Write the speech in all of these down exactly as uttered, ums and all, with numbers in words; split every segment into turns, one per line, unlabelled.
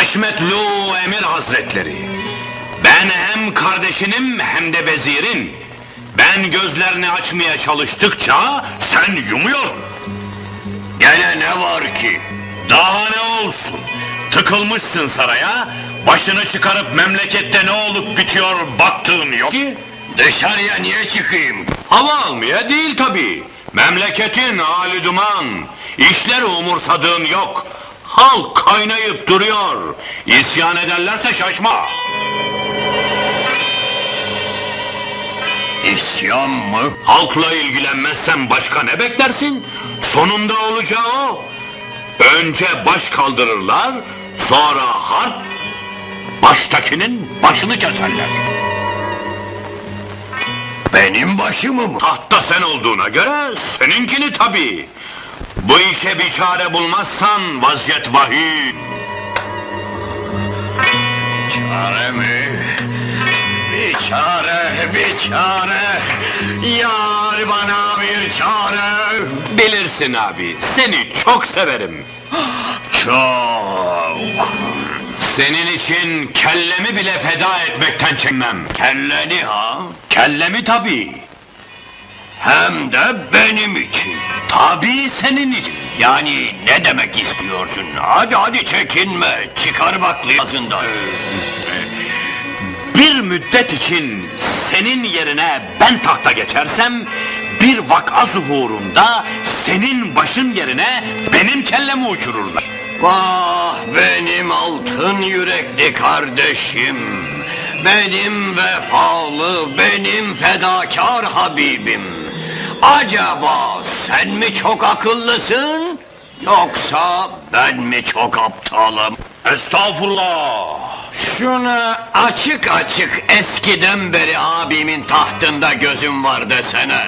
Haşmetlu Emir Hazretleri, ben hem kardeşinim hem de vezirin. Ben gözlerini açmaya çalıştıkça sen yumuyorsun. Gene ne var ki? Daha ne olsun? Tıkılmışsın saraya, başını çıkarıp memlekette ne olup bitiyor baktığın yok ki. Dışarıya niye çıkayım? Hava almaya değil tabii. Memleketin hali duman. İşleri umursadığın yok. Halk kaynayıp duruyor. İsyan ederlerse şaşma. İsyan mı? Halkla ilgilenmezsen başka ne beklersin? Sonunda olacağı o. Önce baş kaldırırlar, sonra harp, baştakinin başını keserler. Benim başımı mı? Tahtta sen olduğuna göre seninkini tabii. Bu işe bir çare bulmazsan vaziyet vahim. Çare mi? Bir çare, bir çare. Yar bana bir çare. Bilirsin abi, seni çok severim. Çok. Senin için kellemi bile feda etmekten çekmem. Kelleni ha? Kellemi tabii. Hem de benim için. Tabii senin için. Yani ne demek istiyorsun? Hadi hadi çekinme. Çıkar bak ağzından. Bir müddet için senin yerine ben tahta geçersem, bir vaka zuhurunda senin başın yerine benim kellemi uçururlar. Vah benim altın yürekli kardeşim, benim vefalı, benim fedakar Habibim. Acaba sen mi çok akıllısın, yoksa ben mi çok aptalım? Estağfurullah! Şunu açık açık eskiden beri abimin tahtında gözüm var desene.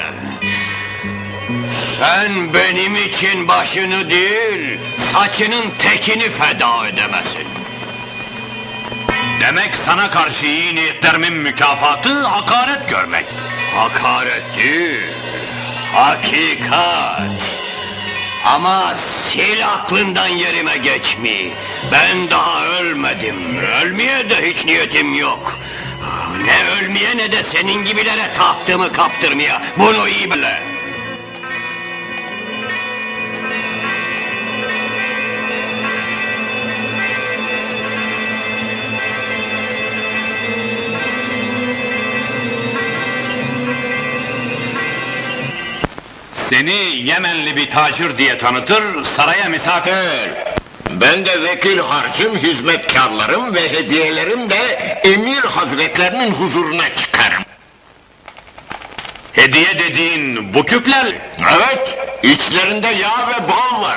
Sen benim için başını değil, saçının tekini feda edemezsin. Demek sana karşı iyi niyetlerimin mükafatı hakaret görmek. Hakaret değil, hakikat. Ama sil aklından yerime geçmi. Ben daha ölmedim, ölmeye de hiç niyetim yok. Ne ölmeye ne de senin gibilere tahtımı kaptırmaya, bunu iyi bile. Seni Yemenli bir tacir diye tanıtır, saraya misafir.
Ben de vekil harcım, hizmetkarlarım ve hediyelerim de emir hazretlerinin huzuruna çıkarım.
Hediye dediğin bu küpler.
Evet, içlerinde yağ ve bal var.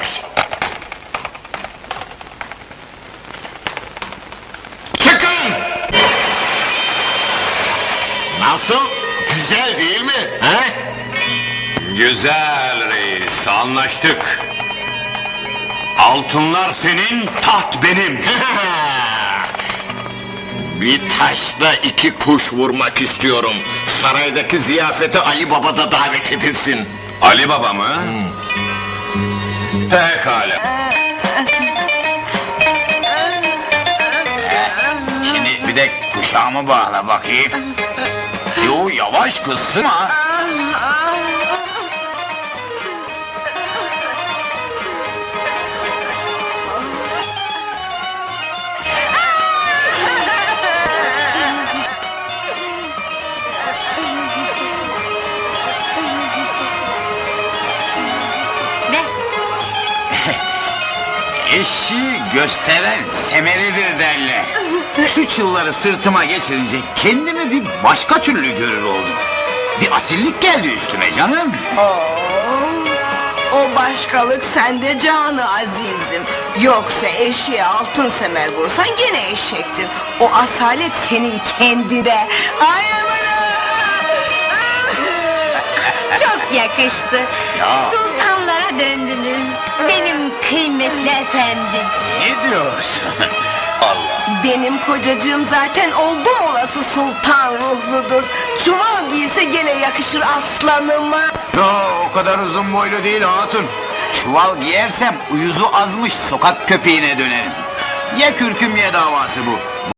Çıkın! Nasıl? Güzel değil mi? He?
Güzel reis, anlaştık. Altınlar senin, taht benim.
Bir taşla iki kuş vurmak istiyorum. Saraydaki ziyafete Ali Baba da davet edilsin.
Ali Baba mı? Hmm. Pekala.
Şimdi bir de kuşağımı bağla bakayım. Yo yavaş kız, sıma. Eşi gösteren semeridir derler. Şu çılları sırtıma geçirince kendimi bir başka türlü görür oldum. Bir asillik geldi üstüme canım.
Oo, o başkalık sende canı azizim. Yoksa eşeğe altın semer vursan gene eşektir. O asalet senin kendinde. Ay aman!
Çok yakıştı.
Ya.
Sultanlara döndünüz. Benim kıymetli efendiciğim.
Ne diyorsun? Allah.
Benim kocacığım zaten oldum olası sultan ruhludur. Çuval giyse gene yakışır aslanıma.
Yo, o kadar uzun boylu değil hatun. Çuval giyersem uyuzu azmış sokak köpeğine dönerim. Ya kürküm ya davası bu.